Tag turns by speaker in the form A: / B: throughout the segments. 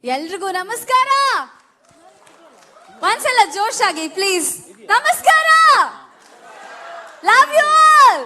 A: ಎಲ್ರಿಗೂ ನಮಸ್ಕಾರ. ಒಂದ್ಸಲ ಜೋಶಾಗಿ ಪ್ಲೀಸ್. ನಮಸ್ಕಾರ. Love you all.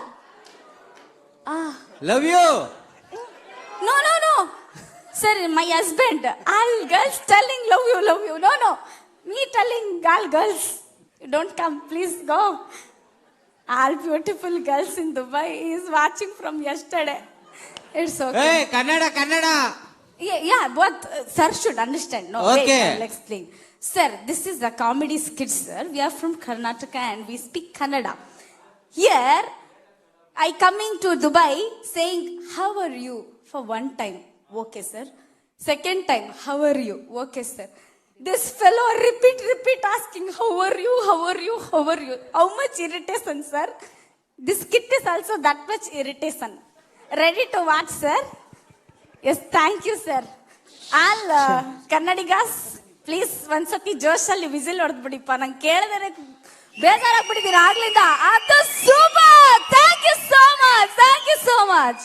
B: Love you.
A: No no no sir, my husband. All girls telling love you love you. No no, me telling all girls, you don't come, please go. All beautiful girls in Dubai is watching from yesterday. It's okay.
B: Hey, Kannada.
A: Yeah, both sir should understand. No,
B: okay.
A: Wait, I'll explain. Sir, this is a comedy skit, sir. We are from Karnataka and we speak Kannada. Here, I coming to Dubai saying, how are you? For one time, okay, sir. Second time, how are you? Okay, sir. This fellow repeat asking, how are you? How much irritation, sir? This skit is also that much irritation. Ready to watch, sir? Yes, thank you, sir. All Kannadigas, please ಒಂದ್ಸತಿ ಜೋಶಲ್ಲಿ whistle ಹೊಡೆದ್ಬಿಡಿಪ್ಪ. ನಂಗೆ ಕೇಳಿದ್ರೆ ಬೇಜಾರಾಗ್ಬಿಟ್ಟಿದ್ದೀನಿ ಆಗ್ಲಿಂದ. ಅದು super. Thank you so much.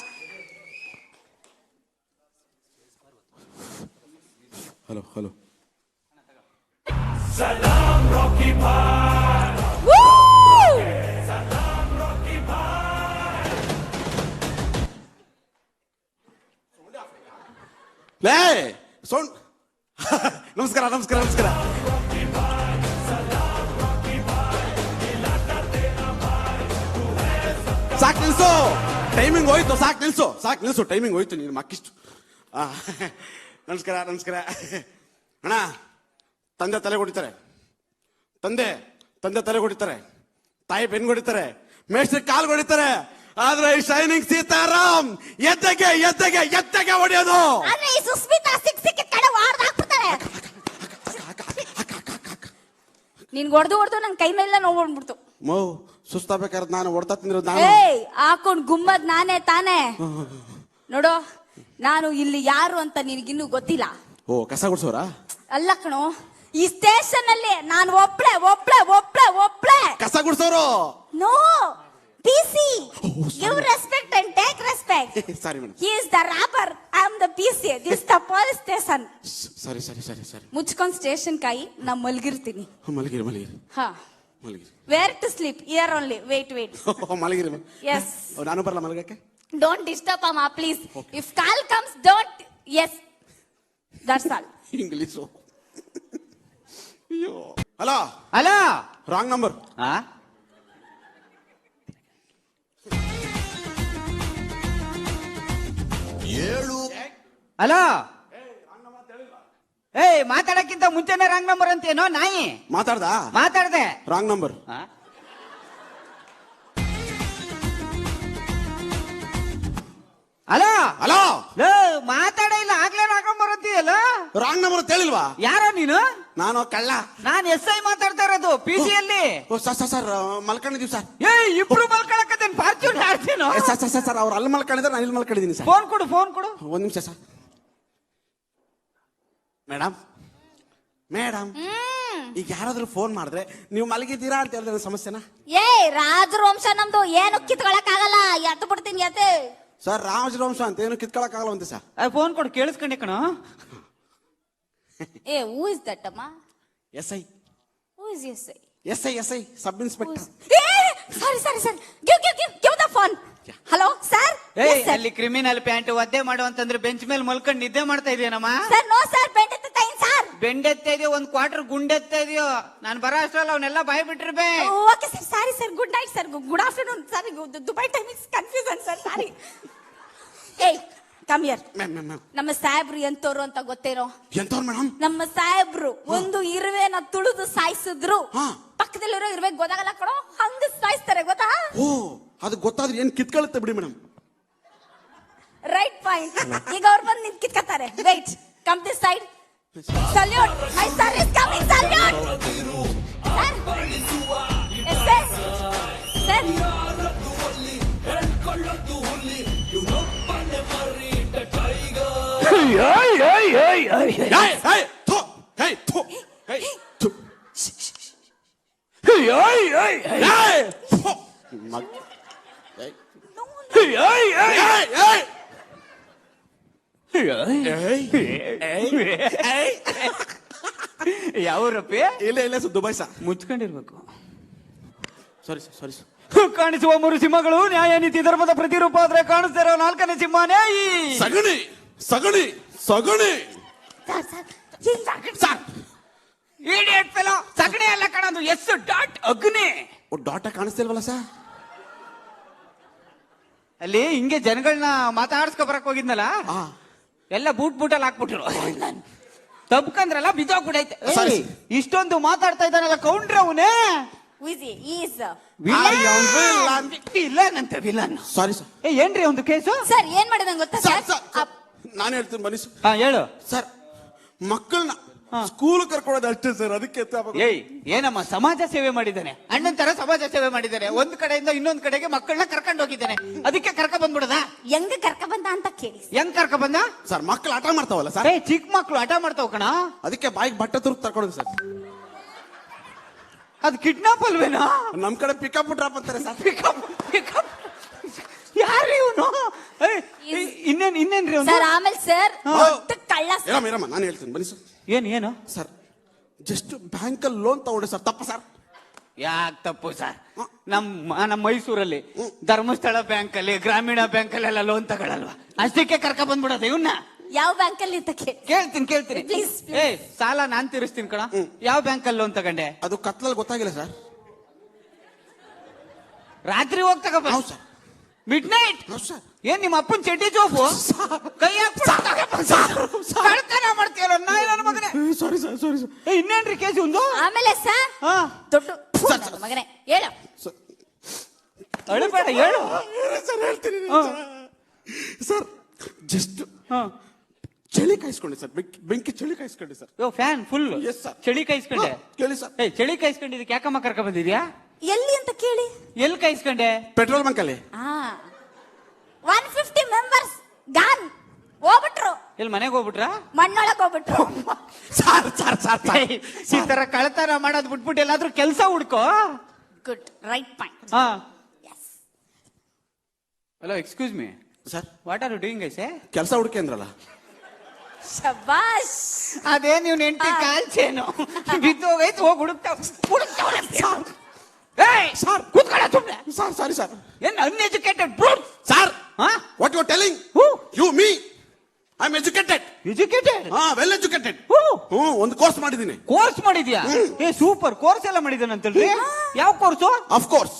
C: Hello
D: Salam Rocky Bhai.
A: Woo!
D: Salam Rocky Bhai.
C: ಲೇ sound. ನಮಸ್ಕಾರ. ಸಾಕು ನಿಲ್ಸು, ಟೈಮಿಂಗ್ ಹೋಯ್ತು. ಸಾಕು ನಿಲ್ಸು ಟೈಮಿಂಗ್ ಹೋಯ್ತು. ನೀನು ಮಕ್ಕಿಷ್ಟು. ನಮಸ್ಕಾರ. ಅಣ್ಣ, ತಂದೆ ತಲೆ ಹೊಡಿತಾರೆ, ತಾಯಿ ಬೆನ್ ಹೊಡಿತಾರೆ, ಮೇಷ್ಟ್ರಿ ಕಾಲ್ ಹೊಡಿತಾರೆ. ಆದ್ರೆ ಈ ಶೈನಿಂಗ್ ಸೀತಾರಾಮ್ ಎದ್ದೆಗೆ ಹೊಡೆಯೋದು.
A: ಆದ್ರೆ ಈ ಸುಸ್ಮಿತಾ ಸಿಕ್ಕ ಕಡೆ ವಾರ್ದಾಕ್ಬಿಡ್ತಾರೆ. ನೀನ್ ಹೊಡೆದು ನನ್ ಕೈ ಮೇಲೆ ನೋಡ್ಬಿಡ್ತು.
C: ಮೋ ಸುಸ್ತಾಬೇಕಾದ್ರೆ ನಾನು ಹೊಡ್ತಾ ತಿಂದಿರೋದು ನಾನು.
A: ಏಯ್, ಹಾಕೊಂಡ್ ಗುಮ್ಮದ್ ನಾನೇ ತಾನೇ. ನೋಡು, ನಾನು ಇಲ್ಲಿ ಯಾರು ಅಂತ ನಿನಗಿನ್ನೂ ಗೊತ್ತಿಲ್ಲ.
C: ಓ, ಕಸ ಗುಡ್ಸೋರಾ?
A: ಅಲ್ಲ ಕಣೋ, ಈ ಸ್ಟೇಷನ್ ಅಲ್ಲಿ ನಾನು ಒಬ್ಳೆ
C: ಕಸ ಗುಡ್ಸೋರು.
A: No, PC. Give respect and take respect.
C: Sorry madam.
A: He is the rapper, I am the PC. This is the police station.
C: Sorry.
A: ಮುಚ್ಕೊಂಡ್ ಸ್ಟೇಷನ್ ಕಾಯಿ, ನಾ ಮಲ್ಗಿರ್ತೀನಿ.
C: ಮಲಗಿರಿ.
A: ಹಾ, where to sleep? Here only. Wait.
C: ಮಲಗಿರಿ.
A: Yes.
C: ನಾನು ಬರಲ್ಲ ಮಲಗಕ್ಕೆ.
A: Don't disturb Amma, please. Okay. If call comes, don't. Yes. That's all.
C: English. Hello. Wrong number.
B: Hello. ಏಯ್, ಮಾತಾಡಕ್ಕಿಂತ ಮುಂಚೆನೆ ರಾಂಗ್ ನಂಬರ್ ಅಂತೇನೋ ನಾಯಿ.
C: ಮಾತಾಡ್ದೆ ರಾಂಗ್ ನಂಬರ್.
B: ಹಲೋ. ಮಾತಾಡ ಇಲ್ಲ, ಆಗ್ಲೇ ರಾಂಗ್ ನಂಬರ್ ಅಂತೀಯಲ್ಲ.
C: ರಾಂಗ್ ನಂಬರ್ ಅಂತ ಹೇಳಿಲ್ವಾ?
B: ಯಾರೋ ನೀನು?
C: ನಾನು ಕಳ್ಳ.
B: ನಾನು SI ಮಾತಾಡ್ತಾ ಇರೋದು PC ಯಲ್ಲಿ.
C: ಸರ್ ಮಲ್ಕೊಂಡಿದೀವಿ ಸರ್.
B: ಇಬ್ರು ಮಲ್ಕೊಳಕತ್ತೇನ್? ಫಾರ್ಚೂನ್ ಆಡ್ತೇನೋ.
C: ಸರ್ ಅವ್ರು ಅಲ್ಲಿ ಮಲ್ಕೊಂಡಿದ್ರೆ ನಾನು ಇಲ್ಲಿ ಮಲ್ಕೊಂಡಿದ್ದೀನಿ ಸರ್.
B: ಫೋನ್ ಕೊಡು.
C: ಒಂದ್ ನಿಮಿಷ ಸರ್. ಮೇಡಮ್, ಈಗ ಯಾರಾದ್ರೂ ಫೋನ್ ಮಾಡಿದ್ರೆ ನೀವು ಮಲಗಿದ್ದೀರಾ ಅಂತ ಹೇಳಿದ್ರೆ ಸಮಸ್ಯೆನಾ?
A: ರಾಜವಂಶ ನಮ್ದು, ಏನು ಕಿತ್ಕೊಳಕ್ ಆಗಲ್ಲ. ಎದ್ದು ಬಿಡ್ತೀನಿ.
C: ಸರ್, ರಾಜವಂಶ ಅಂತ ಏನು ಕಿತ್ಕೊಳಕ್ ಆಗಲ್ಲ ಅಂತ ಸರ್.
B: ಫೋನ್ ಕೊಡು, ಕೇಳಿಸ್ಕೊಂಡೆ ಕಣ.
A: who is that ಅಮ್ಮ?
C: SI.
A: Who is SI?
C: SI sub inspector.
A: Sorry. Give the phone. Hello, sir.
B: ಅಲ್ಲಿ ಕ್ರಿಮಿನಲ್ ಪ್ಯಾಂಟ್ ಒದ್ದೆ ಮಾಡು ಅಂತಂದ್ರೆ ಬೆಂಚ್ ಮೇಲೆ ಮಲ್ಕೊಂಡು ನಿದ್ದೆ ಮಾಡ್ತಾ ಇದೆಯೇನಮ್ಮ?
A: ಸರ್, ನೋ ಸರ್, ಬೆಂಡೆತ್ತ ಸರ್.
B: ಬೆಂಡೆತ್ತ ಇದೆಯೋ, ಒಂದ್ ಕ್ವಾರ್ಟರ್ ಗುಂಡೆತ್ತ ಇದೆಯೋ. ನಾನು ಬರೋ ಅಷ್ಟ್ರಲ್ಲ ಅವನ್ನೆಲ್ಲ ಬಾಯ್ ಬಿಟ್ಟಿರ್ಬೇ.
A: Okay sir, sorry sir. Good night sir. Good afternoon. Sorry, Dubai time is confusion sir. Sorry. ಏಯ್, ಕಮ್ ಹಿಯರ್. ನಮ್ಮ ಸಾಹೇಬ್ರು ಎಂತವ್ರು ಅಂತ ಗೊತ್ತೇನೋ?
C: ಎಂತವ್ರು ಮೇಡಮ್?
A: ನಮ್ಮ ಸಾಹೇಬ್ರು ಒಂದು ಇರುವೆನ ತುಳಿದು ಸಾಯಿಸಿದ್ರು. ಪಕ್ಕದಲ್ಲಿರೋ ಇರುವೆ ಗೊತ್ತಾಗಲ್ಲ ಕಣೋ, ಹಂಗ ಸಾಯಿಸ್ತಾರೆ, ಗೊತ್ತಾ?
C: ಓ, ಅದು ಗೊತ್ತಾದ್ರೆ ಏನ್ ಕಿತ್ಕೊಳ್ಳುತ್ತೆ ಬಿಡಿ ಮೇಡಮ್.
A: Right point. ಈಗ ಅವ್ರು ಬಂದು ನಿಂತ್ ಕಿತ್ಕತ್ತಾರೆ. Wait, come this side. Salute. My son is coming. Salute. Sir.
B: ಯಾವ್ರಪ್ಪಿ?
C: ಇಲ್ಲ ಸರ್, ದುಬೈ ಸರ್.
B: ಮುಚ್ಕೊಂಡಿರ್ಬೇಕು.
C: Sorry sir.
B: ಕಾಣಿಸುವ 3 ಸಿಂಹಗಳು ನ್ಯಾಯ ನೀತಿ ಧರ್ಮದ ಪ್ರತಿರೂಪ ಆದ್ರೆ ಕಾಣಿಸ್ತಾ ಇರೋ 4ನೇ ಸಿಂಹ ನ್ಯಾಯಿ.
C: ಸಗಣಿ.
B: ಇಡಿಯಟ್ ಫೆಲೋ, ಸಗಣಿ ಎಲ್ಲ ಕಾಣೋದು ಎಸ್ ಡಾಟ್ ಅಗ್ನಿ.
C: ಡಾಟ ಕಾಣಿಸ್ತಿಲ್ವಲ್ಲ ಸರ್?
B: ಅಲ್ಲಿ ಹಿಂಗೆ ಜನಗಳನ್ನ ಮಾತಾಡ್ಸ್ಕೊ ಬರಕ್ ಹೋಗಿದ್ನಲ್ಲ, ಎಲ್ಲ ಬೂಟಲ್ಲಿ ಹಾಕ್ಬಿಟ್ರು. ತಬ್ಕಂದ್ರಲ್ಲ ಬಿದ್ದೋಗ್ಬಿಡೈತೆ.
C: ಸರಿ.
B: ಇಷ್ಟೊಂದು ಮಾತಾಡ್ತಾ ಇದ್ದಾನಲ್ಲ ಕೌಂಡ್ರ ಅವನೇ ವಿಲನ್.
C: Sorry sir.
B: ಏನ್ರಿ ಒಂದು ಕೇಸು?
A: ಸರ್ ಏನ್ ಮಾಡಿದಂಗ ಗೊತ್ತಾ ಸರ್?
C: ನಾನು ಹೇಳ್ತೀನಿ ಬನ್ನಿ ಸರ್.
B: ಹೇಳು
C: ಸರ್. ಮಕ್ಕಳನ್ನ ಸ್ಕೂಲ್ ಕರ್ಕೊಳ್ಳೋದು ಅಷ್ಟೇ ಸರ್. ಅದಕ್ಕೆ
B: ಏನಮ್ಮ ಸಮಾಜ ಸೇವೆ ಮಾಡಿದ್ದಾನೆ, ಅಣ್ಣನ್ ತರ ಸಮಾಜ ಸೇವೆ ಮಾಡಿದ್ದಾನೆ. ಒಂದ್ ಕಡೆಯಿಂದ ಇನ್ನೊಂದ್ ಕಡೆಗೆ ಮಕ್ಕಳನ್ನ ಕರ್ಕೊಂಡು ಹೋಗಿದ್ದಾನೆ. ಅದಕ್ಕೆ ಕರ್ಕ ಬಂದ್ಬಿಡದ?
A: ಹೆಂಗ ಕರ್ಕ ಬಂದ ಅಂತ ಕೇಳಿ.
B: ಹೆಂಗ್ ಕರ್ಕ ಬಂದ
C: ಸರ್? ಮಕ್ಕಳು ಆಟ ಮಾಡ್ತಾವಲ್ಲ ಸರ್,
B: ಚಿಕ್ಕ ಮಕ್ಳು ಆಟ ಮಾಡ್ತಾವ ಕಣ.
C: ಅದಕ್ಕೆ ಬಾಯಿಗೆ ಬಟ್ಟೆ ತುರ್ಕ್ ತರ್ಕೊಂಡು ಸರ್.
B: ಅದು ಕಿಡ್ನಾಪ್ ಅಲ್ವೇನಾ?
C: ನಮ್ ಕಡೆ ಪಿಕಪ್ ಡ್ರಾಪ್ ಅಂತಾರೆ ಸರ್.
B: ಪಿಕಪ್ ಯಾರು ಇವನು? ಇನ್ನೇನ್ರಿ
A: ಸರ್? ಆಮೇಲೆ ಸರ್ ಕಳ್ಳ
C: ಇರಮ್ಮ ನಾನು ಹೇಳ್ತೀನಿ ಬನ್ನಿ ಸರ್.
B: ಏನು
C: ಸರ್? ಜಸ್ಟ್ ಬ್ಯಾಂಕಲ್ಲಿ ಲೋನ್ ತಗೊಂಡೆ ಸರ್. ತಪ್ಪ ಸರ್?
B: ಯಾಕೆ ತಪ್ಪು ಸರ್? ನಮ್ಮ ಮೈಸೂರಲ್ಲಿ ಧರ್ಮಸ್ಥಳ ಬ್ಯಾಂಕ್ ಅಲ್ಲಿ, ಗ್ರಾಮೀಣ ಬ್ಯಾಂಕ್ ಅಲ್ಲೆಲ್ಲ ಲೋನ್ ತಗೊಳಲ್ವಾ? ಅಷ್ಟಕ್ಕೆ ಕರ್ಕ ಬಂದ್ಬಿಡೋದು ಇವನ್ನ.
A: ಯಾವ ಬ್ಯಾಂಕ್ ಅಲ್ಲಿ ಅಂತ
B: ಕೇಳ್ತೀನಿ.
A: Please.
B: ಸಾಲ ನಾನ್ ತೀರಿಸ್ತೀನಿ ಕಣ. ಯಾವ ಬ್ಯಾಂಕ್ ಅಲ್ಲಿ ಲೋನ್ ತಗೊಂಡೆ?
C: ಅದು ಕತ್ಲಲ್ಲಿ ಗೊತ್ತಾಗಿಲ್ಲ ಸರ್.
B: ರಾತ್ರಿ ಹೋಗಿ ತಗೋಬ
C: ಸರ್.
B: Midnight.
C: ಸರ್.
B: ಏನ್ ನಿಮ್ಮ ಅಪ್ಪನ್ ಚಡ್ಡಿ ಜೋಬು ಕೈ ಕಳ್ತನ ಮಾಡ್ತೀಯಲ್ಲ ನನ್ನ ಮಗನೇ.
C: Sorry sir.
B: ಇನ್ನೇನ್ರಿ ಕೇಸ್ ಒಂದು?
A: ಆಮೇಲೆ ಸರ್ ದೊಡ್ಡ ಮಗನೇ ಹೇಳು.
B: ಅಳಬೇಡ, ಹೇಳು
C: ಸರ್. ಹೇಳ್ತೀನಿ ಸರ್. ಜಸ್ಟ್ ಚಳಿ ಕಾಯಿಸ್ಕೊಂಡೆ ಸರ್. ಬೆಂಕಿ ಚಳಿ ಕಾಯಿಸ್ಕೊಂಡೆ sir.
B: Fan full
C: Yes, sir.
B: ಚಳಿ ಕಾಯಿಸ್ಕೊಂಡೆ.
C: ಕೇಳಿ ಸರ್.
B: ಚಳಿ ಕಾಯಿಸ್ಕೊಂಡಿದ್ದಕ್ಕೆ ಯಾಕಮ್ಮ ಕರ್ಕ ಬಂದಿದ್ಯಾ?
A: ಎಲ್ಲಿ ಅಂತ ಕೇಳಿ.
B: ಎಲ್ಲಿ ಕಾಯಿಸ್ಕೊಂಡೆ?
C: ಪೆಟ್ರೋಲ್ ಬಂಕ್ ಅಲ್ಲಿ.
A: 150 ಮೆಂಬರ್ಸ್ ಗಾನ್ ಹೋಗ್ಬಿಟ್ರು.
B: ಎಲ್ಲಿ ಮನೆಗೆ ಹೋಗ್ಬಿಟ್ರಾ?
A: ಮಣ್ಣೊಳಗ್ ಹೋಗ್ಬಿಟ್ರು.
B: ಈ ತರ ಕಳ್ತನ ಮಾಡೋದ್ ಬಿಟ್ಬಿಟ್ಟು ಎಲ್ಲಾದ್ರೂ ಕೆಲಸ ಹುಡ್ಕೋ.
A: Good, right point.
B: Hello, excuse me
C: sir.
B: What are you doing ಐಸೆ?
C: ಕೆಲಸ ಹುಡುಕಿ ಅಂದ್ರಲ್ಲ.
A: ಶಬಾಷ್.
B: ಅದೇ ನೀವು ನೆಂಟಿ ಕಾಲ್ಚೇನು ಬಿದ್ದು ಹೋಗೈತೆ, ಹೋಗಿ ಹುಡುಕ್ತಾವ್.
C: ಸರ್
B: ಕೂತ್ಕೊಳ್ಳ ಸುಮ್ಮನೆ.
C: Sir sorry sir.
B: ಏನ್ uneducated brute
C: sir? What you are telling? You me I am educated. Well educated. ಒಂದು ಕೋರ್ಸ್ ಮಾಡಿದ್ದೀನಿ.
B: ಕೋರ್ಸ್ ಮಾಡಿದ್ಯಾ? ಸೂಪರ್. ಕೋರ್ಸ್ ಎಲ್ಲ ಮಾಡಿದ್ದಾನಂತಲ್ರಿ? ಯಾವ ಕೋರ್ಸು?
C: Of course.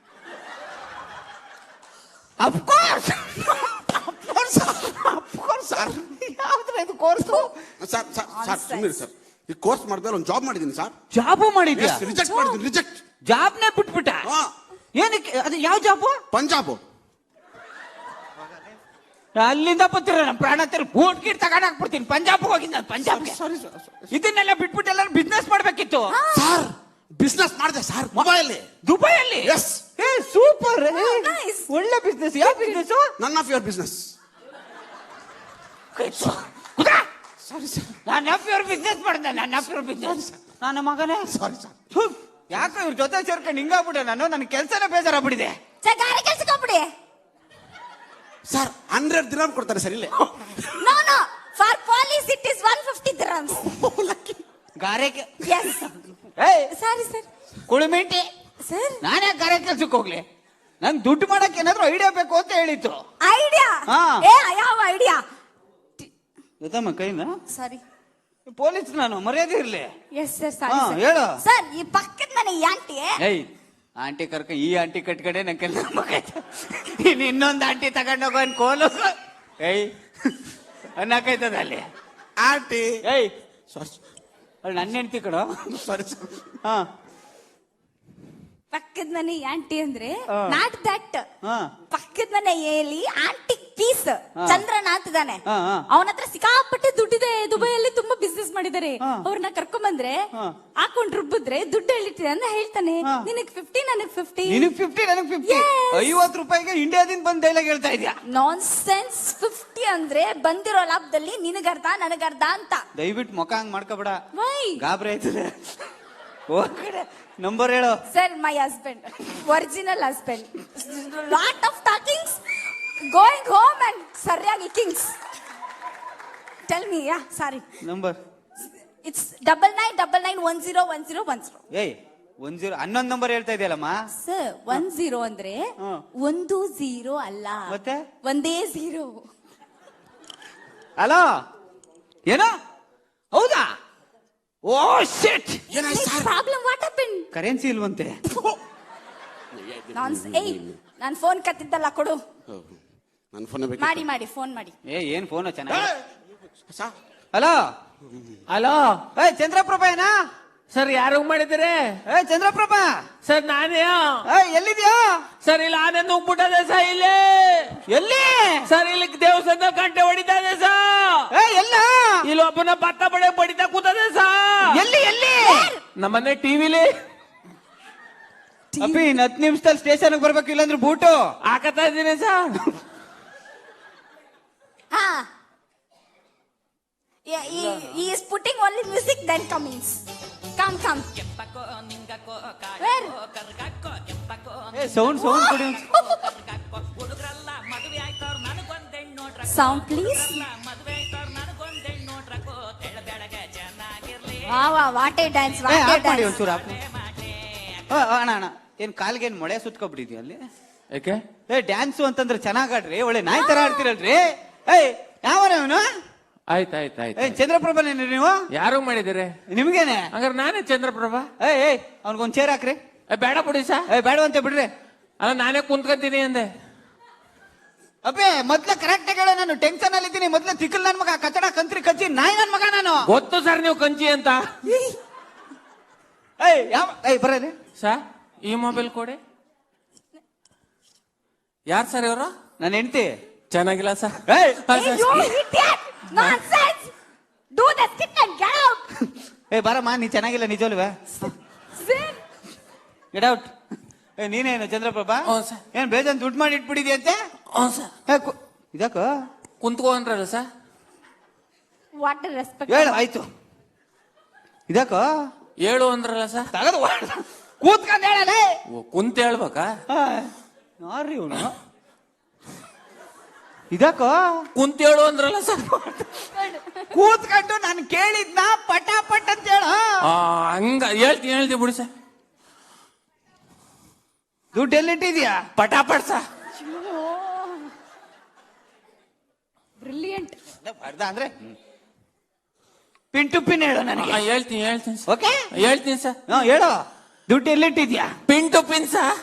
C: ಸರ್
B: ಯಾವ್ದ್ರ ಇದು ಕೋರ್ಸ್?
C: ಸರ್ ಸುಮ್ಮನೆ ಸರ್. ಈ ಕೋರ್ಸ್ ಮಾಡಿದ್ರೆ ಒಂದು ಜಾಬ್ ಮಾಡಿದ್ದೀನಿ ಸರ್.
B: ಜಾಬು ಮಾಡಿದ್ಯಾ?
C: ರಿಜೆಕ್ಟ್ ಮಾಡಿದ್ದೀನಿ. ರಿಜೆಕ್ಟ್.
B: ಜಾಬ್ನೇ ಬಿಟ್ಬಿಟ್ಟ? ಏನಕ್ಕೆ? ಅದು ಯಾವ ಜಾಬು?
C: ಪಂಜಾಬ್.
B: ಅಲ್ಲಿಂದ ಬರ್ತೀರ ನಮ್ಮ ಪ್ರಾಣ ತರ ಬೂಟ್ ಗಿಟ್ ತಗೊಂಡ್ ಹಾಕ್ಬಿಡ್ತೀನಿ. ಪಂಜಾಬ್ ಹೋಗಿದ್ದ. ಪಂಜಾಬ್ಗೆ
C: ಸಾರಿ ಸರ್.
B: ಇದನ್ನೆಲ್ಲ ಬಿಟ್ಬಿಟ್ಟು ಎಲ್ಲರೂ ಬಿಸ್ನೆಸ್ ಮಾಡ್ಬೇಕಿತ್ತು.
C: ಸರ್ ಬಿಸ್ನೆಸ್ ಮಾಡಿದೆ ಸರ್
B: ದುಬೈಯಲ್ಲಿ.
C: ಎಸ್.
B: ಸೂಪರ್.
A: nice.
B: ಒಳ್ಳೆ ಬಿಸ್ನೆಸ್. ಯಾವ business?
C: None of your business. Sorry sir.
B: ನಾನು ಆಫ್ ಯುವರ್ ಬಿಸ್ನೆಸ್ ಮಾಡಿದೆ. ನನ್ನ ಮಗನೇ.
C: Sorry sir.
B: ಯಾಕೆ ಇವ್ರ ಜೊತೆ ಸೇರ್ಕೊಂಡು ಹಿಂಗಾಗ್ಬಿಟ್ಟೆ ನಾನು? ನನ್ನ ಕೆಲಸನೇ ಬೇಜಾರಾಗ್ಬಿಟ್ಟಿದೆ.
A: ಗಾರೆ ಕೆಲ್ಸಕ್ಕೆ ಹೋಗ್ಬಿಡಿ.
C: ಸರ್ 100 ದಿರಹಂ ಕೊಡ್ತಾರೆ ಸರ್ ಇಲ್ಲಿ.
A: No for polish it is 150 dirhams.
B: ಗಾರೆಗೆ.
A: ಎಸ್. Sorry sir.
B: ಕುಳಿಮಿಂಟಿ
A: ಸರ್.
B: ನಾನೇ ಗಾರೆ ಕೆಲ್ಸಕ್ಕೆ ಹೋಗ್ಲಿ? ನಂಗೆ ದುಡ್ಡು ಮಾಡಕ್ಕೆ ಏನಾದ್ರು ಐಡಿಯಾ ಬೇಕು ಅಂತ ಹೇಳಿತ್ತು.
A: ಐಡಿಯಾ? ಯಾವ ಐಡಿಯಾ?
B: ಗೊತ್ತಮ್ಮ ಕೈನ.
A: ಸಾರಿ
B: ಪೊಲೀಸ್ ನಾನು, ಮರ್ಯಾದೆ ಇರ್ಲಿ.
A: Yes sir. Sorry sir.
B: ಹೇಳು
A: ಸರ್. ಈ ಪಕ್ಕದ ಮನೆ ಆಂಟಿ.
B: ಆಂಟಿ ಕರ್ಕ ಈ ಆಂಟಿ ಕಟ್ಕಡೆ ನಂಗೆ ಕೆಲಸ ಇನ್ನು ಇನ್ನೊಂದು ಆಂಟಿ ತಗೊಂಡೋಗೋ ಕೋಲು ಅನ್ನಕೈತದ ಅಲ್ಲಿ
C: ಆಂಟಿ.
B: ಸಾರಿ, ನನ್ನ ಹೆಂಡತಿ ಕಡೋ.
C: Sorry sir.
A: ಪಕ್ಕದ ಮನೆ ಆಂಟಿ ಅಂದ್ರೆ ನಾಟ್ ದಟ್.
B: ಹಾ.
A: ಪಕ್ಕದ ಮನೆಯಲ್ಲಿ ಆಂಟಿಕ್ ಪೀಸ್ ಚಂದ್ರನಾಥ್ ಇದಾನೆ.
B: ಹಾ.
A: ಅವನ ಹತ್ರ ಸಿಕ್ಕಾಪಟ್ಟೆ ದುಡ್ಡಿದೆ. ದುಬೈಯಲ್ಲಿ ತುಂಬಾ ಬಿಸ್ನೆಸ್ ಮಾಡಿದ್ದಾರೆ. ಅವ್ರನ್ನ ಕರ್ಕೊಂಡ್ ಬಂದ್ರೆ ಹಾಕೊಂಡ್ ರುಬ್ಬಿದ್ರೆ ದುಡ್ಡು ಹೇಳಿಟ್ಟಿದೆ ಅಂತ ಹೇಳ್ತಾನೆ. ನಿನಗ್ 50 ನನಗ್ 50.
B: ನಿನಗ್ 50 ನನಗ್ 50. 50 ರೂಪಾಯಿಗೆ ಇಂಡಿಯಾದಿಂದ ಬಂದ್ ಡೈಲಾಗ್ ಹೇಳ್ತಾ ಇದ್ಯಾ?
A: ನಾನ್ ಸೆನ್ಸ್. 50 ಅಂದ್ರೆ ಬಂದಿರೋ ಲಾಭದಲ್ಲಿ ನಿನಗರ್ಧ ನನಗರ್ಧ ಅಂತ.
B: ದಯವಿಟ್ಟು ಮುಖ ಹಂಗ್ ಮಾಡ್ಕೋಬೇಡ.
A: ವೈ?
B: ಗಾಬರಿ ಆಯ್ತದೆ. ನಂಬರ್ ಹೇಳು.
A: Sir, my husband, original husband. Lot of talkings, going home and ಸರಿಯಾಗಿ ಕಿಂಗ್ಸ್. Tell me, yeah, sorry.
B: Number
A: It's 9999101010.
B: ಏಯ್ 10 11 ನಂಬರ್ ಹೇಳ್ತಾ ಇದೆಯಲ್ಲಮ್ಮ.
A: Sir, 10 ಅಂದ್ರೆ
B: ಹ್ಮ್.
A: 10 ಅಲ್ಲ.
B: ಮತ್ತೆ?
A: ಒಂದೇ 0.
B: ಹಲೋ ಏನೋ ಹೌದಾ? Oh shit,
A: Problem, what happened?
B: Currency ಇಲ್ವಂತೆ.
A: ಏಯ್, ನಾನ್ ಫೋನ್ ಕತ್ತಿದ್ದಲ್ಲ ಕೊಡು.
C: ನನ್ನ ಫೋನ್
A: ಮಾಡಿ ಫೋನ್ ಮಾಡಿ.
B: ಏನ್ ಫೋನ್ ಚೆನ್ನಾಗಿ.
C: ಸರ್
B: ಹಲೋ ಹಲೋ, ಚಂದ್ರಪ್ರಭಾ ಏನಾ?
E: ಸರ್ ಯಾರು ಮಾಡಿದಿರಿ?
B: ಚಂದ್ರಪ್ರಭಾ
E: ಸರ್ ನಾನೇ.
B: ಎಲ್ಲಿದ್ಯಾ?
E: ಸರ್ ಇಲ್ಲಿ ಆನೆ ನುಗ್ಬಿಟ್ಟದೆ ಸರ್ ಇಲ್ಲಿ.
B: ಎಲ್ಲಿ?
E: ಸರ್ ಇಲ್ಲಿ ದೇವಸ್ಥಾನದ ಗಂಟೆ ಹೊಡಿತದೆ ಸರ್.
B: ಎಲ್ಲ
E: ಇಲ್ಲಿ ಒಬ್ಬನ ಭತ್ತ ಬಡೆ ಬಡಿತಾ ಕೂತದೆ ಸರ್.
B: ಎಲ್ಲಿ ಎಲ್ಲಿ?
E: ನಮ್ಮನೆ ಟಿವಿಲಿ
B: ಅಪ್ಪಿ ಇನ್ 10 ನಿಮಿಷದಲ್ಲಿ ಸ್ಟೇಷನ್ ಬರ್ಬೇಕು, ಇಲ್ಲಾಂದ್ರೆ ಬೂಟು
E: ಹಾಕತಾ ಇದೀನಿ ಸರ್.
A: ಹಾ. He is putting only music, then comes. Come. Where?
B: Sound ಕೊಡಿ.
A: Sound, please. Wow, what a dance, what a
B: off ಮಾಡಿ
A: dance.
B: ಒಂಚೂರು ಆಫ್ ಮಾಡಿ. ಅಣ್ಣ ಏನ್ ಕಾಲ್ಗೆ ಏನ್ ಮೊಳೆ ಸುತ್ಕೊಬಿಟ್ಟಿದ್ಯಾ ಅಲ್ಲಿ?
E: ಯಾಕೆ?
B: ಡ್ಯಾನ್ಸು ಅಂತಂದ್ರೆ ಚೆನ್ನಾಗ್ ಆಡ್ರಿ, ಒಳ್ಳೆ ನಾಯಿ ತರ ಆಡ್ತಿರಲ್ರಿ. ಯಾವನು?
E: ಆಯ್ತಾಯ್ತಾಯ್ತು.
B: ಚಂದ್ರಪ್ರಭಾನೇನ್ರಿ ನೀವು?
E: ಯಾರು ಮಾಡಿದಿರಿ?
B: ನಿಮ್ಗೇನೆ?
E: ಹಂಗಾರೆ ನಾನೇ ಚಂದ್ರಪ್ರಭಾ.
B: ಅವ್ನಿಗೊಂದ್ ಚೇರ್ ಹಾಕ್ರಿ.
E: ಬೇಡ ಬಿಡಿ ಸರ್.
B: ಬೇಡವಂತೆ ಬಿಡ್ರಿ.
E: ಅಲ್ಲ ನಾನೇ ಕುಂತ್ಕೊಂತೀನಿ ಅಂದೆ.
B: ಅಬ್ಬೇ ಮೊದ್ಲ ಕರೆಕ್ಟ್ ಆಗಿ ಹೇಳ, ನಾನು ಟೆನ್ಷನ್ ಅಲ್ಲಿ ಇದ್ದೀನಿ. ಮೊದ್ಲ ತಿಕ್ಕಲ್ ನನ್ ಮಗ, ಕಚಡ ಕಂತ್ರಿ ಕಚ್ಚಿ ನಾಯಿ ನನ್ ಮಗ ನಾನು.
E: ಗೊತ್ತು ಸರ್ ನೀವು ಕಂಚಿ ಅಂತ.
B: ಬರೀ
E: ಸರ್ ಈ ಮೊಬೈಲ್ ಕೊಡಿ. ಯಾರು ಸರ್ ಇವರು?
B: ನನ್ನ ಹೆಂಡತಿ.
E: ಚೆನ್ನಾಗಿಲ್ಲ ಸರ್.
A: Hey, you idiot! Nonsense! Do the skit and get out!
B: ಬರಮ್ಮ, ನೀ ಚೆನ್ನಾಗಿಲ್ಲ ನಿಜವಲ್ವೇ?
A: Sir,
B: get out. ನೀನೇನು ಚಂದ್ರಪ್ರಭಾ?
E: ಹ್ಞೂ ಸರ್.
B: ಏನ್ ಬೇಜಾನ್ ದುಡ್ಡು ಮಾಡಿ ಇಟ್ಬಿಟ್ಟಿದ್ಯಂತೆ?
E: ಹ್ಞೂ ಸರ್.
B: ಇದಕ್ಕ
E: ಕುಂತ್ಕೋ ಅಂದ್ರಲ್ಲ ಸರ್.
A: what a respect.
B: ಹೇಳು ಆಯ್ತು. ಇದಕ್ಕ
E: ಹೇಳು ಅಂದ್ರಲ್ಲ ಸರ್.
B: ತಗದು ಕೂತ್ಕೊಂಡ್ ಹೇಳಲ್ಲ.
E: ಕುಂತ ಹೇಳ್ಬೇಕಾ?
B: ನೋಡ್ರಿ ಇವನು. ಇದಕ್ಕ
E: ಕುಂತ ಹೇಳು ಅಂದ್ರಲ್ಲ ಸರ್.
B: ಕೂತ್ಕೊಂಡು ನಾನು ಕೇಳಿದ್ನ ಪಟಾಪಟ್ ಅಂತ ಹೇಳ.
E: ಹಂಗ ಹೇಳ್ತೀನಿ ಬಿಡಿ ಸರ್.
B: ದುಡ್ಡು ಎಲ್ಲಿಟ್ಟಿದ್ಯಾ?
E: ಪಟಾಪಟ್ ಸರ್.
A: Brilliant.
B: ಬರ್ದ ಅಂದ್ರೆ ಪಿನ್ ಟು ಪಿನ್ ಹೇಳು ನನಗೆ.
E: ಹೇಳ್ತೀನಿ ಸರ್.
B: ಓಕೆ
E: ಹೇಳ್ತೀನಿ ಸರ್.
B: ಹೇಳು, ದುಡ್ಡು ಎಲ್ಲಿಟ್ಟಿದ್ಯಾ?
E: Pin to pin sir.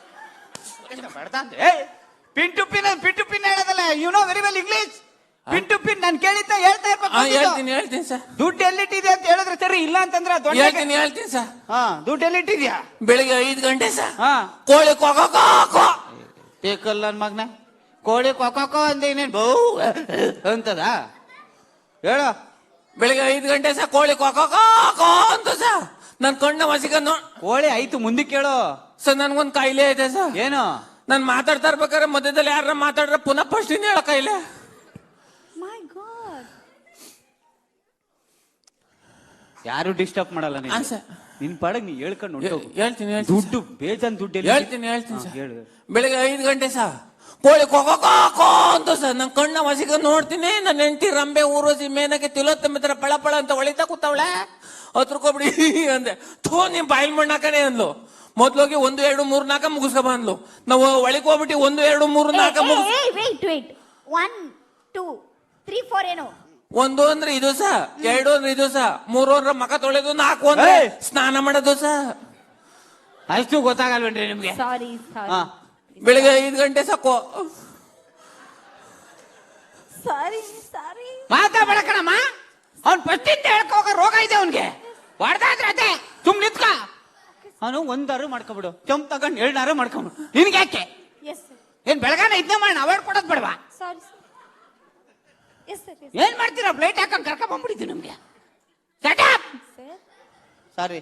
B: Pin to pin ಹೇಳೋದಲ್ಲ. You know very well English. Pin to pin ನಾನು ಕೇಳಿದ್ದ ಹೇಳ್ತಾ
E: ಹೇಳ್ತೀನಿ ಸರ್.
B: ದುಡ್ಡು ಎಲ್ಲಿಟ್ಟಿದ್ಯಾ ಅಂತ ಹೇಳಿದ್ರೆ ಸರಿ, ಇಲ್ಲ ಅಂತಂದ್ರೆ
E: ಹೇಳ್ತೀನಿ ಸರ್.
B: ದುಡ್ಡು ಎಲ್ಲಿಟ್ಟಿದ್ಯಾ?
E: ಬೆಳಿಗ್ಗೆ 5 ಗಂಟೆ ಸರ್.
B: ಹಾ,
E: ಕೋಳಿ ಕೊಕೋ
B: ಬೇಕಲ್ಲ ನನ್ ಮಗನ. ಕೋಳಿ ಕೊಕೋ ಅಂದ ಇನ್ನೇನ್ ಬೌ ಅಂತದ? ಹೇಳು.
E: ಬೆಳಿಗ್ಗೆ 5 ಗಂಟೆ ಸರ್. ಕೋಳಿ ಕೊಕೋ ಅಂತ ಸರ್. ನನ್ ಕಣ್ಣ ಮಸಿಕ
B: ಕೋಳಿ ಆಯ್ತು, ಮುಂದಕ್ಕೆ ಕೇಳು.
E: ಸರ್ ನನ್ಗೊಂದ್ ಕಾಯಿಲೆ ಇದೆ ಸರ್.
B: ಏನು?
E: ನಾನ್ ಮಾತಾಡ್ತಾ ಇರ್ಬೇಕಾದ್ರೆ ಮಧ್ಯದಲ್ಲಿ ಯಾರ ಮಾತಾಡ್ರೆ ಪುನಃ ಫಸ್ಟ್ ಇಂದ ಹೇಳ ಕಾಯಿಲೆ.
A: My God.
B: ಯಾರು ಡಿಸ್ಟರ್ಬ್ ಮಾಡಲ್ಲ ನೀನು.
E: ಹಾ ಸರ್.
B: ನಿನ್ ಪಾಡಗ್ ನೀ ಹೇಳ್ಕೊಂಡು ಹೊರ್ಟೋಗು.
E: ಹೇಳ್ತೀನಿ
B: ದುಡ್ಡು ಬೇಜಾನ್ ದುಡ್ಡು
E: ಹೇಳ್ತೀನಿ
B: ಸರ್. ಹೇಳು.
E: ಬೆಳಿಗ್ಗೆ 5 ಗಂಟೆ ಸರ್. ಕೋಳಿ ಕೊಕೋ ಅಂತ ಸರ್. ನನ್ ಕಣ್ಣ ಮಸಿಕ ನೋಡ್ತೀನಿ. ನನ್ನ ಹೆಂಡತಿ ರಂಬೆ ಊರೋಸಿ ಮೇನಕ್ಕೆ ತಿಲೋತ್ತಮಿತ್ರ ಪಳ ಅಂತ ಹೊಳಿತಾ ಕೂತವಳೆ. 10 ರೂಪಾಯಿ ಬಿಡಿ ಅಂದೆ. ನಿಮ್ ಬಾಯಿಲ್ ಮಣ್ಣಾಕನೆ ಅಂದ್ಲು. ಮೊದ್ಲೋಗಿ 1 2 3 4 ಮುಗಿಸ್ಕೊ ಅಂದ್ಲು. ನಾವು ಒಳಗೆ ಹೋಗ್ಬಿಟ್ಟು 1 2 3 4 ಮುಗಿಸ್.
A: Wait. 1 2 3 4 ಏನು?
E: 1 ಅಂದ್ರೆ ಇದು ಸ, 2 ಅಂದ್ರೆ ಇದು ಸ, 3 ಅಂದ್ರೆ ಮಕ ತೊಳೆದು, 4 ಅಂದ್ರೆ ಸ್ನಾನ ಮಾಡೋದು ಸ.
B: ಅಷ್ಟು ಗೊತ್ತಾಗಲ್ವೇನ್ರಿ ನಿಮ್ಗೆ?
A: Sorry.
E: ಬೆಳಿಗ್ಗೆ 5 ಗಂಟೆ ಸಾಕು.
A: Sorry.
B: ಮಾತಾಡ ಕಣಮ್ಮ. ಅವ್ನ್ ಫಸ್ಟಿಂದ ಹೇಳ್ಕೋಗ ರೋಗ ಇದೆ ಅವನ್ಗೆ. ಹೊಡೆದಾದ್ರೆ ಅದೇ ಸುಮ್ ನಿತ್ಕ. ಅವನು 1 ಮಾಡ್ಕೊಬಿಡು, ಕೆಂಪ್ ತಗೊಂಡು 2 ಮಾಡ್ಕೊಂಬಿಡು. ನಿನ್ಗೆ ಯಾಕೆ?
A: Yes, sir.
B: ಏನ್ ಬೆಳಗಾನ ಇದನ್ನೇ ಮಾಡಿ ಅವಾರ್ಡ್ ಕೊಡೋದ್ ಬೇಡವಾ?
A: Sorry, sir. Yes, sir.
B: ಏನ್ ಮಾಡ್ತೀರಾ? ಪ್ಲೇಟ್ ಹಾಕೊಂಡ್ ಕರ್ಕೊಂಡ್ ಬಂದ್ಬಿಟ್ಟಿದ್ದು ನಮ್ಗೆ.
A: Sir.
B: ಸಾರಿ.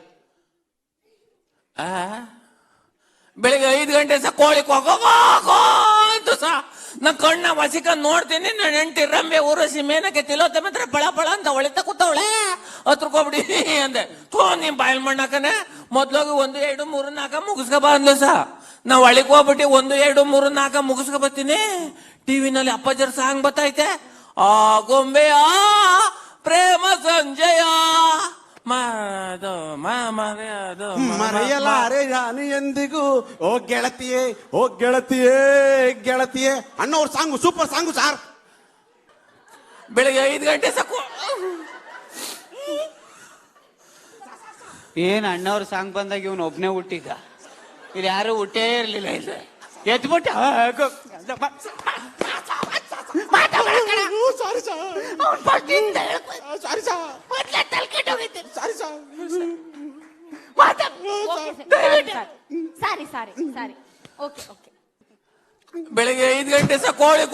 E: ಬೆಳಿಗ್ಗೆ 5 ಗಂಟೆ ಸ ಕೋಳಿ ಕೊಕೋ ಅಂತ ಸ. ನನ್ ಕಣ್ಣ ಮಸಿಕ ನೋಡ್ತೀನಿ. ನನ್ನ ಹೆಂಡತಿ ರಂಬೆ ಊರಸಿ ಮೇನಕ್ಕೆ ತಿಲೋತ್ತಮಿತ್ರ ಪಳ ಅಂತ ಹೊಳಿತಾ ಕೂತವಳೆ. 10 ರೂಪಾಯಿ ಬಿಡಿ ಅಂದೆ. ನಿಮ್ ಬಾಯಿಲ್ ಮಣ್ಣಾಕನೆ. ಮೊದ್ಲೋಗಿ 1 2 3 4 ಮುಗಿಸ್ಕೊ ಬಂದ್ಲು ಸ. ನಾವ್ ಒಳಗೆ ಹೋಗ್ಬಿಟ್ಟು 1 2 3 4 ಮುಗಿಸ್ಕೊ ಬರ್ತೀನಿ. ಟಿವಿನಲ್ಲಿ ಅಪ್ಪಾಜರ್ ಸಾಂಗ್ ಬತ್ತೈತೆ. ಆ ಗೊಂಬೆಯ ಪ್ರೇಮ ಸಂಜಯ
C: ಮರೆಯಲಾರೆ ನಾನು ಎಂದಿಗೂ ಓ ಗೆಳತಿಯೇ ಓ ಗೆಳತಿಯೇ ಗೆಳತಿಯೇ ಅಣ್ಣವ್ರ ಸಾಂಗು ಸೂಪರ್ ಸಾಂಗು ಸಾರ್.
E: ಬೆಳಿಗ್ಗೆ 5 ಗಂಟೆ ಸಾಕು.
B: ಏನ್ ಅಣ್ಣವ್ರ ಸಾಂಗ್ ಬಂದಾಗ ಇವನು ಒಬ್ನೇ ಹುಟ್ಟಿದ್ದ, ಇಲ್ಲಿ ಯಾರು ಹುಟ್ಟೇ ಇರ್ಲಿಲ್ಲ. ಇಲ್ಲಿ ಎದ್ಬಿಟ್ಟ
A: ಸಾರಿ ಸಾರಿ ಸಾರಿ. Okay okay.
E: ಬೆಳಿಗ್ಗೆ 5 ಗಂಟೆ ಸಹ ಕೋಳಿ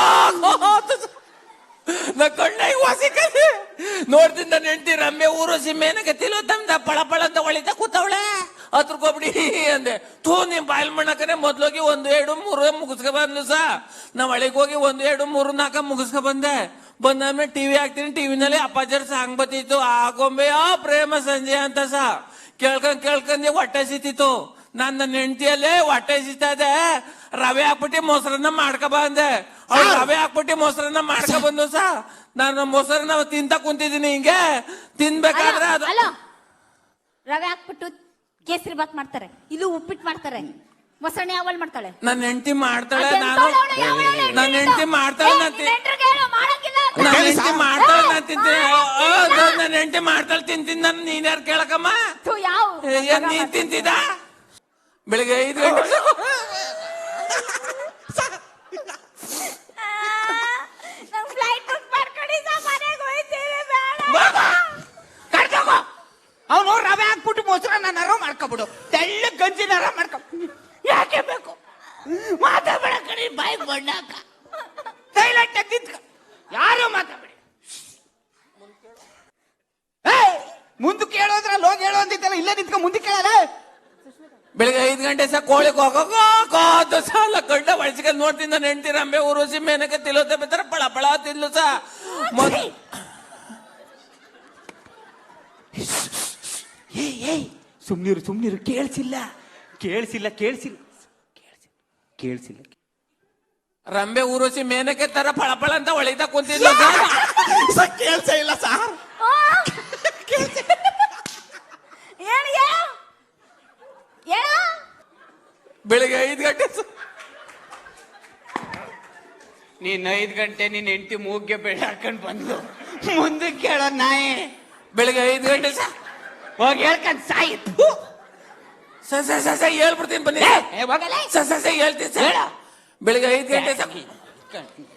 E: ನಾ ಕಣ್ಣಾಗಿ ವಾಸಿಕಲ್ಲಿ ನೋಡ್ತೀನಿ. ನನ್ನ ಹೆಂಡತಿ ರಮ್ಮೆ ಊರೋಸಿ ಮೇನಕ್ಕೆ ತಿಲೋತ್ತಮ್ದ ಪಳ ಪಳ ಅಂತ ಹೊಳಿತಾ ಕೂತವಳೆ. ಹತ್ರಕೋಬಿಡಿ ಅಂದೆ. ನಿಮ್ ಬಾಯಿಲ್ ಮಣ್ಣಕನೆ ಮೊದ್ಲೋಗಿ 1 2 3 ಮುಗಿಸ್ಕೊ ಬಂದ್ಲು ಸಾ. ನಾವ್ ಒಳಗೆ ಹೋಗಿ 1 2 3 4 ಮುಗಿಸ್ಕೊ ಬಂದೆ. ಬಂದಾದ್ಮೇಲೆ ಟಿವಿ ಹಾಕ್ತೀನಿ. ಟಿವಿನಲ್ಲಿ ಅಪ್ಪಾಜರ್ ಸಾಂಗ್ ಬತ್ತಿತ್ತು, ಆ ಗೊಂಬೆಯ ಪ್ರೇಮ ಸಂಜೆ ಅಂತ ಸಾ. ಕೇಳ್ಕೊಂಡೆ ಹೊಟ್ಟೆ ಸಿತ್ತಿತ್ತು. ನನ್ನ ಹೆಂಡತಿಯಲ್ಲೇ ಹೊಟ್ಟೆ ಸಿಗ್ತಾ ಇದೆ, ರವೆ ಹಾಕ್ಬಿಟ್ಟು ಮೊಸರನ್ನ ಮಾಡ್ಕೊ ಬಂದೆ. ಅವ್ಳು ರವೆ ಹಾಕ್ಬಿಟ್ಟು ಮೊಸರನ್ನ ಮಾಡ್ಕೊ ಬಂದು ಸಾ. ನಾನು ಮೊಸರನ್ನ ತಿಂತ ಕುಂತಿದ್ದೀನಿ. ಹಿಂಗೆ ತಿನ್ಬೇಕಾದ್ರೆ ಅದು
A: ಅಲ್ಲ, ರವೆ ಹಾಕ್ಬಿಟ್ಟು ಕೇಸರಿ ಬಾತ್ ಮಾಡ್ತಾರೆ, ಇದು ಉಪ್ಪಿಟ್ಟು ಮಾಡ್ತಾರೆ, ಮೊಸರನ್ನ ಯಾವಲ್ ಮಾಡ್ತಾಳೆ?
E: ನನ್ನ ಹೆಂಡತಿ ಮಾಡ್ತಾಳೆ. ನಾನು ನನ್ನ ಹೆಂಡತಿ ಮಾಡ್ತಾಳೆ, ನಾನು ತಿಂತೀನಿ. ನನ್ನ ಹೆಂಡತಿ ಮಾಡ್ತಾಳೆ, ತಿಂತೀನಿ. ನಾನು ನೀನ್ಯಾರು ಕೇಳಕಮ್ಮ? ನೀನ್ ತಿಂತಿದ್ದ? ಬೆಳಿಗ್ಗೆ 5 ಗಂಟೆ
B: ಅವನು ರವೆ ಹಾಕ್ಬಿಟ್ಟು ಮೊಸರನ್ನ ನರ ಮಾಡ್ಕೊಬಿಡು, ತೆಳ್ಳ ಗಂಜಿ ನರ ಮಾಡ್ಕೊ. ಯಾಕೆ ಬೇಕು? ಮಾತಾಡ ಕಡೆ ಬಾಯಿ ಬಣ್ಣಾಕ ಸೈಲೆಂಟ್ ನಿಂತ್ಕ, ಯಾರು ಮಾತಾಡಿ. ಮುಂದಕ್ಕೆ ಹೇಳೋದ್ರಲ್ಲಿ ಹೋಗಿ ಹೇಳೋ ಅಂತಿತ್ತಲ್ಲ, ಇಲ್ಲೇ ನಿಂತ್ಕ ಮುಂದಕ್ಕೆ ಹೇಳಲ್ಲ.
E: ಬೆಳಿಗ್ಗೆ 5 ಗಂಟೆ ಸಹ ಕೋಳಿ ಕೋದು ಸಾಲ ಗಂಡ ಬಳಸ್ಕೊಂಡು ನೋಡ್ತೀನಿ. ನನ್ನ ಹೆಂಡತಿ ರಂಬೆ ಊರೋಸಿ ಮೇನಕ್ಕೆ ತಿಲೋತೆ ಬೇಕಾರ ಪಳ ಪಳ ತಿನ್ಲು ಸಹ.
B: ಸುಮ್ನಿರು ಕೇಳಿಸಿಲ್ಲ.
E: ರಂಬೆ ಊರೋಸಿ ಮೇನಕ್ಕೆ ತರ ಪಳ ಪಳ ಅಂತ ಹೊಳಿತಾ ಕುಂತಿದ್ಲು
C: ಕೇಳ್ಸ ಇಲ್ಲ ಸಾರ್.
E: ಬೆಳಿಗ್ಗೆ 5 ಗಂಟೆ
B: ನೀನ್ 5 ಗಂಟೆ ನಿನ್ ಹೆಂಡತಿ ಮೂಗ್ಗೆ ಬೆಳೆ ಹಾಕೊಂಡ್ ಬಂದು ಮುಂದಕ್ಕೆ ಕೇಳೋ ನಾಯಿ.
E: ಬೆಳಿಗ್ಗೆ 5 ಗಂಟೆ ಸಹ
B: ಹೋಗಿ ಹೇಳ್ಕೊಂಡ್ ಸಾಯಿ.
E: ಹೇಳ್ಬಿಡ್ತೀನಿ ಬನ್ನಿ. ಹೇಳ್ತೀನಿ ಸರ್. ಬೆಳಿಗ್ಗೆ 5 ಗಂಟೆ ಸಹ